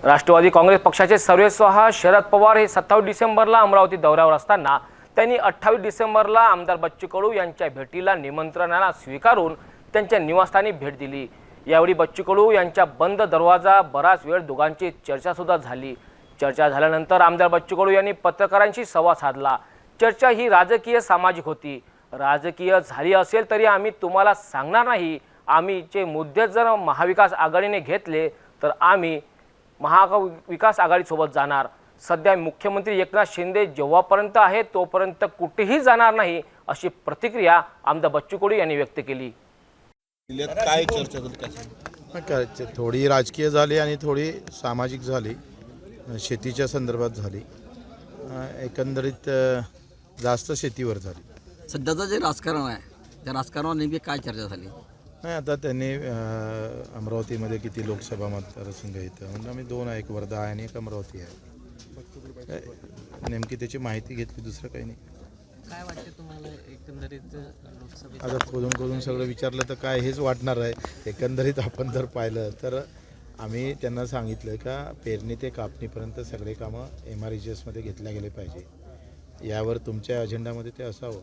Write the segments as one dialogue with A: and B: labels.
A: राष्ट्रवादी काँग्रेस पक्षाचे सर्वेस्वाहा शरद पवार हे 27 डिसेंबरला अमरावती दौऱ्यावर असताना त्यांनी 28 डिसेंबरला आमदार बच्चू कडू यांच्या भेटीला निमंत्रणाला स्वीकारून त्यांच्या निवासस्थानी भेट दिली। यावेळी बच्चू कडू यांच्या बंद दरवाजा बराच वेळ दोघांची चर्चा सुद्धा झाली। चर्चा झाल्यानंतर आमदार बच्चू कडू यांनी पत्रकारांशी संवाद साधला। चर्चा ही राजकीय सामाजिक होती। राजकीय झाली असेल तरी आम्ही तुम्हाला सांगणार नाही। आम्ही जे मुद्दे जर महाविकास आघाडीने घेतले तर आम्ही महाविकास आघाडीसोबत जाणार। सध्या मुख्यमंत्री एकनाथ शिंदे जेव्हापर्यंत आहे तोपर्यंत कुठेही जाणार नाही, अशी प्रतिक्रिया आमदार बच्चू कडू यांनी व्यक्त केली।
B: काय चर्चा झाली?
C: थोडी राजकीय झाली आणि थोडी सामाजिक झाली, शेतीच्या संदर्भात झाली। एकंदरीत जास्त शेतीवर झाली।
D: सध्याचं जे राजकारण आहे त्या राजकारणावर नेमकी काय चर्चा झाली?
C: नाही, आता त्यांनी अमरावतीमध्ये किती लोकसभा मतदारसंघ येतं म्हणजे आम्ही दोन आहे, एक वर्धा आहे आणि एक अमरावती आहे। नेमकी त्याची माहिती घेतली, दुसरं काही नाही।
E: काय वाटते तुम्हाला एकंदरीत लोकसभेत?
C: आता खोदून सगळं विचारलं तर काय हेच वाटणार आहे। एकंदरीत आपण जर पाहिलं तर आम्ही त्यांना सांगितलं का पेरणी ते कापणीपर्यंत सगळे कामं MREGSमध्ये घेतल्या गेले पाहिजे। यावर तुमच्या अजेंडामध्ये ते असावं।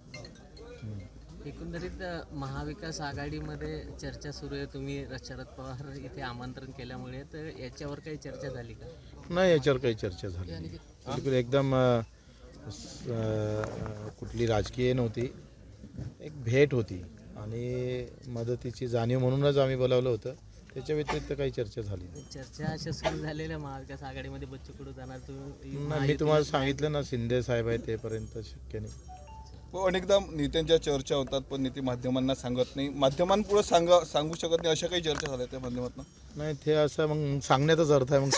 E: एकंदरीत महाविकास आघाडीमध्ये चर्चा सुरू आहे। तुम्ही शरद पवार इथे आमंत्रण केल्यामुळे तर याच्यावर काही चर्चा झाली का?
C: नाही, याच्यावर काही चर्चा झाली नाही। बिलकुल एकदम कुठली राजकीय नव्हती, एक भेट होती आणि मदतीची जाणीव म्हणूनच आम्ही बोलावलं होतं। त्याच्या व्यतिरिक्त काही चर्चा झाली नाही।
E: चर्चा अशा सुरू झालेल्या महाविकास आघाडीमध्ये बच्चू कडू जाणार, तुम्ही
C: मी तुम्हाला सांगितलं ना, शिंदे साहेब आहे तेपर्यंत शक्य नाही।
B: अनेकदा नेत्यांच्या चर्चा होतात पण नेते माध्यमांना सांगत नाही, माध्यमांपुढे सांगू शकत नाही, अशा काही चर्चा झाल्या त्या माध्यमातून?
C: नाही, ते असं मग सांगण्याचाच अर्थ आहे, मग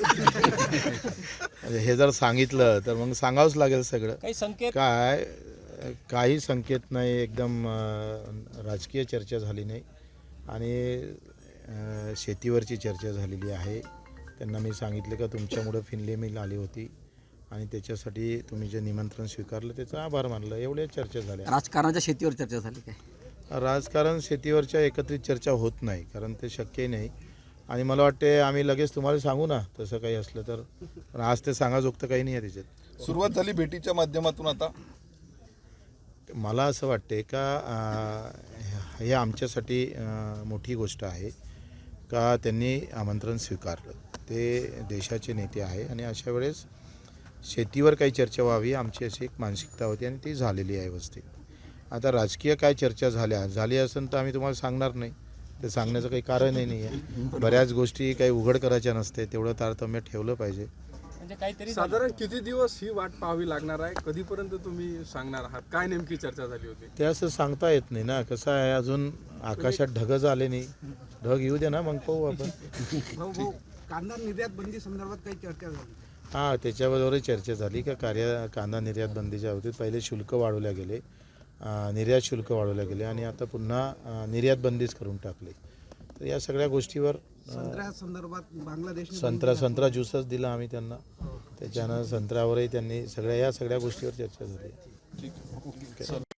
C: हे जर सांगितलं तर मग सांगावंच लागेल सगळं।
E: काही संकेत
C: काही संकेत नाही, एकदम राजकीय चर्चा झाली नाही आणि शेतीवरची चर्चा झालेली आहे। त्यांना मी सांगितलं का तुमच्यामुळं फिनले मिल आली होती आणि त्याच्यासाठी तुम्ही जे निमंत्रण स्वीकारलं त्याचा आभार मानलं, एवढ्या चर्चा झाल्या।
D: राजकारणाच्या शेतीवर चर्चा झाली काय?
C: राजकारण शेतीवरच्या एकत्रित चर्चा होत नाही, कारण ते शक्यही नाही आणि मला वाटते आम्ही लगेच तुम्हाला सांगू ना तसं काही असलं तर, पण आज ते सांगाजोगतं काही नाही आहे त्याच्यात।
B: सुरुवात झाली भेटीच्या माध्यमातून। आता
C: मला असं वाटते का हे आमच्यासाठी मोठी गोष्ट आहे का त्यांनी आमंत्रण स्वीकारलं। ते देशाचे नेते आहे आणि अशा वेळेस शेतीवर काही चर्चा व्हावी अशी एक मानसिकता होती आणि ती झालेली आहे व्यवस्थित। आता राजकीय काय चर्चा झाली असेल तर आम्ही तुम्हाला सांगणार नाही, ते सांगण्याचं काही कारणही नाही आहे। बऱ्याच गोष्टी काही उघड करायच्या नसते, तेवढं तारतम्य ठेवलं पाहिजे।
E: म्हणजे काहीतरी
F: साधारण किती दिवस ही वाट पाहावी लागणार आहे? कधीपर्यंत तुम्ही सांगणार आहात? काय नेमकी चर्चा झाली होती?
C: ते असं सांगता येत नाही ना, कसं आहे अजून आकाशात ढगच आले नाही, ढग येऊ दे ना मग पाहू आपण।
G: कांदा निर्यात बंदी संदर्भात काही चर्चा झाली?
C: हां, त्याच्याबरोबरही चर्चा झाली का कांदा निर्यात बंदीच्या बाबतीत पहिले शुल्क वाढवल्या गेले, निर्यात शुल्क वाढवल्या गेले आणि आता पुन्हा निर्यात बंदीच करून टाकले। तर या सगळ्या गोष्टीवर
G: संत्र्या संदर्भात बांगलादेश
C: संत्रा ज्यूसच दिला आम्ही त्यांना, त्याच्यानं संत्र्यावरही त्यांनी या सगळ्या गोष्टीवर चर्चा झाली।